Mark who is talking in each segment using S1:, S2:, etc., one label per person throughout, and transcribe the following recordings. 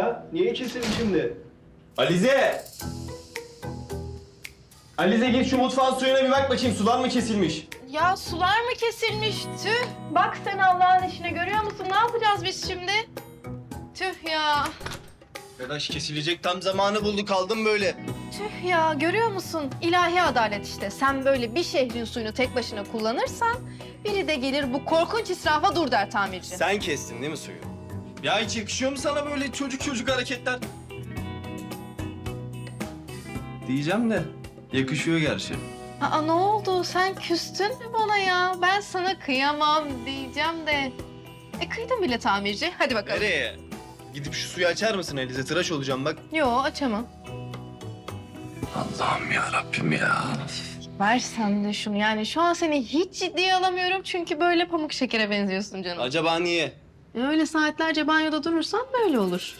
S1: ya? Niye kesildi şimdi?
S2: Alize! Alize git şu mutfağın suyuna bir bak bakayım sular mı kesilmiş?
S3: Ya sular mı kesilmiş? Tüh. Bak sen Allah'ın işine, görüyor musun? Ne yapacağız biz şimdi? Tüh ya.
S2: Arkadaş kesilecek tam zamanı buldu kaldım böyle.
S3: Tüh ya, görüyor musun? İlahi adalet işte. Sen böyle bir şehrin suyunu tek başına kullanırsan biri de gelir bu korkunç israfa dur der tamirci.
S2: Sen kestin değil mi suyu? Ya hiç yakışıyor mu sana böyle çocuk hareketler? Diyeceğim de yakışıyor gerçi.
S3: Aa, ne oldu? Sen küstün mü bana ya? Ben sana kıyamam diyeceğim de. Kıydın bile tamirci. Hadi bakalım.
S2: Nereye? Gidip şu suyu açar mısın Alize? Tıraş olacağım bak.
S3: Yo, açamam.
S2: Allah'ım ya Rabbim ya.
S3: Ver sen de şunu. Yani şu an seni hiç ciddiye alamıyorum çünkü böyle pamuk şekere benziyorsun canım.
S2: Acaba niye?
S3: Öyle saatlerce banyoda durursan böyle olur.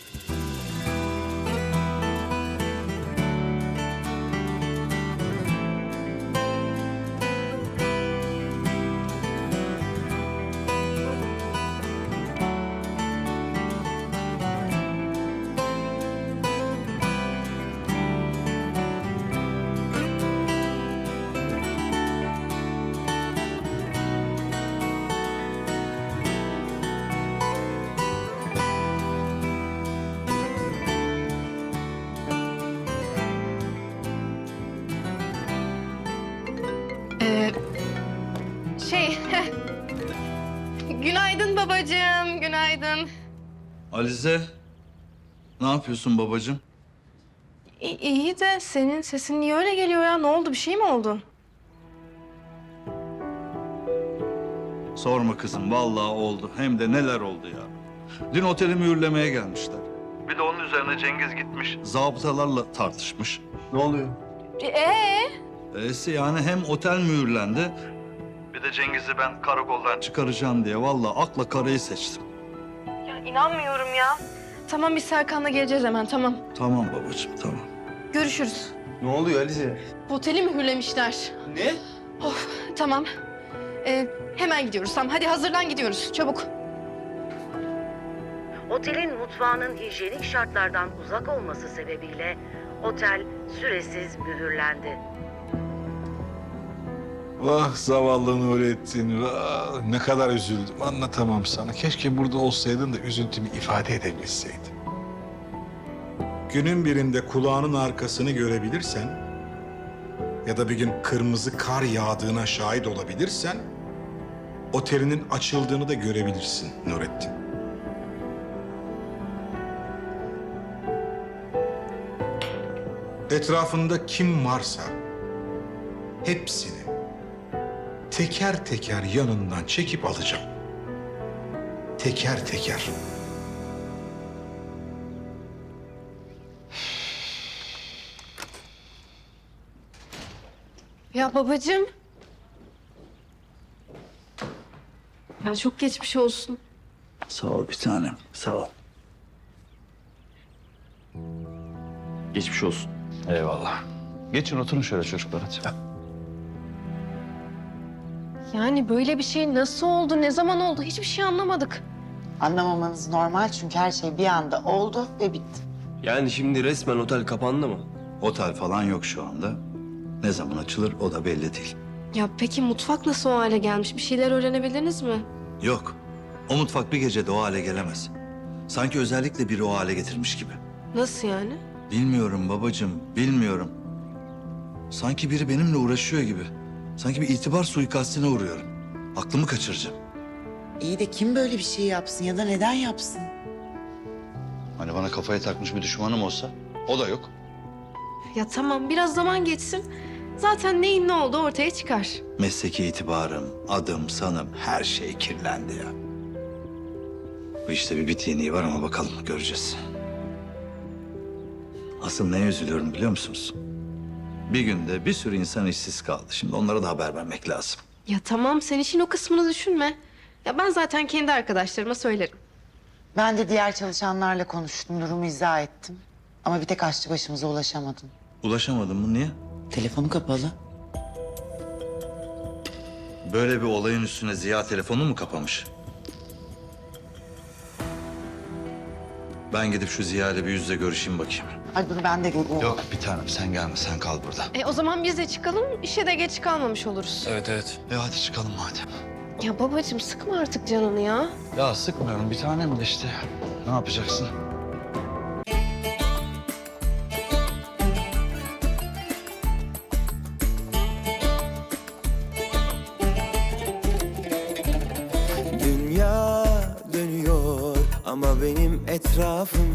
S3: Şey... Günaydın babacığım, günaydın.
S4: Alize, ne yapıyorsun babacığım?
S3: İyi de senin sesin niye öyle geliyor ya? Ne oldu, bir şey mi oldu?
S4: Sorma kızım, vallahi oldu. Hem de neler oldu ya. Dün oteli mühürlemeye gelmişler. Bir de onun üzerine Cengiz gitmiş, zabıtalarla tartışmış.
S2: Ne oluyor?
S4: Yani hem otel mühürlendi... Bir de Cengiz'i ben karakoldan çıkaracağım diye vallahi akla karayı seçtim.
S3: Ya inanmıyorum ya. Tamam, biz Serkan'la geleceğiz hemen, tamam.
S4: Tamam babacığım, tamam.
S3: Görüşürüz.
S2: Ne oluyor Alize?
S3: Oteli mühürlemişler.
S2: Ne?
S3: Tamam. Hemen gidiyoruz, tamam. Hadi hazırlan, gidiyoruz. Çabuk.
S5: Otelin mutfağının hijyenik şartlardan uzak olması sebebiyle otel süresiz mühürlendi.
S6: Vah zavallı Nurettin, vah. Ne kadar üzüldüm, anlatamam sana. Keşke burada olsaydın da üzüntümü ifade edebilseydim. Günün birinde kulağının arkasını görebilirsen ya da bir gün kırmızı kar yağdığına şahit olabilirsen otelinin açıldığını da görebilirsin Nurettin. Etrafında kim varsa hepsini teker teker yanından çekip alacağım. Teker teker.
S3: Ya babacığım. Ya çok geçmiş olsun.
S4: Sağ ol bir tanem, sağ ol.
S2: Geçmiş olsun.
S4: Eyvallah. Geçin oturun şöyle çocuklar hadi.
S3: Yani böyle bir şey nasıl oldu, ne zaman oldu hiçbir şey anlamadık.
S7: Anlamamanız normal çünkü her şey bir anda oldu ve bitti.
S2: Yani şimdi resmen otel kapandı mı?
S4: Otel falan yok şu anda. Ne zaman açılır o da belli değil.
S8: Ya peki mutfak nasıl o hale gelmiş? Bir şeyler öğrenebildiniz mi?
S4: Yok. O mutfak bir gecede o hale gelemez. Sanki özellikle biri o hale getirmiş gibi.
S8: Nasıl yani?
S4: Bilmiyorum babacığım, bilmiyorum. Sanki biri benimle uğraşıyor gibi. Sanki bir itibar suikastine uğruyorum. Aklımı kaçıracağım.
S7: İyi de kim böyle bir şey yapsın ya da neden yapsın?
S4: Hani bana kafaya takmış bir düşmanım olsa o da yok.
S8: Ya tamam biraz zaman geçsin. Zaten neyin ne olduğu ortaya çıkar.
S4: Mesleki itibarım, adım, sanım her şey kirlendi ya. Bu işte bir bittiğini var ama bakalım göreceğiz. Asıl neye üzülüyorum biliyor musunuz? Bir günde bir sürü insan işsiz kaldı. Şimdi onlara da haber vermek lazım.
S8: Ya tamam sen işin o kısmını düşünme. Ya ben zaten kendi arkadaşlarıma söylerim.
S7: Ben de diğer çalışanlarla konuştum, durumu izah ettim. Ama bir tek aşçı başımıza ulaşamadım.
S4: Ulaşamadım mı niye?
S7: Telefonu kapalı.
S4: Böyle bir olayın üstüne Ziya telefonu mu kapamış? Ben gidip şu Ziya ile bir yüzle görüşeyim bakayım.
S7: Hadi dur ben de göreyim.
S4: Yok bir tanem sen gelme, sen kal burada.
S8: O zaman biz de çıkalım, işe de geç kalmamış oluruz.
S2: Evet evet.
S4: Hadi çıkalım hadi.
S8: Ya babacığım sıkma artık canını ya.
S4: Ya sıkmıyorum bir tanem de işte. Ne yapacaksın?
S1: Dünya dönüyor ama benim etrafım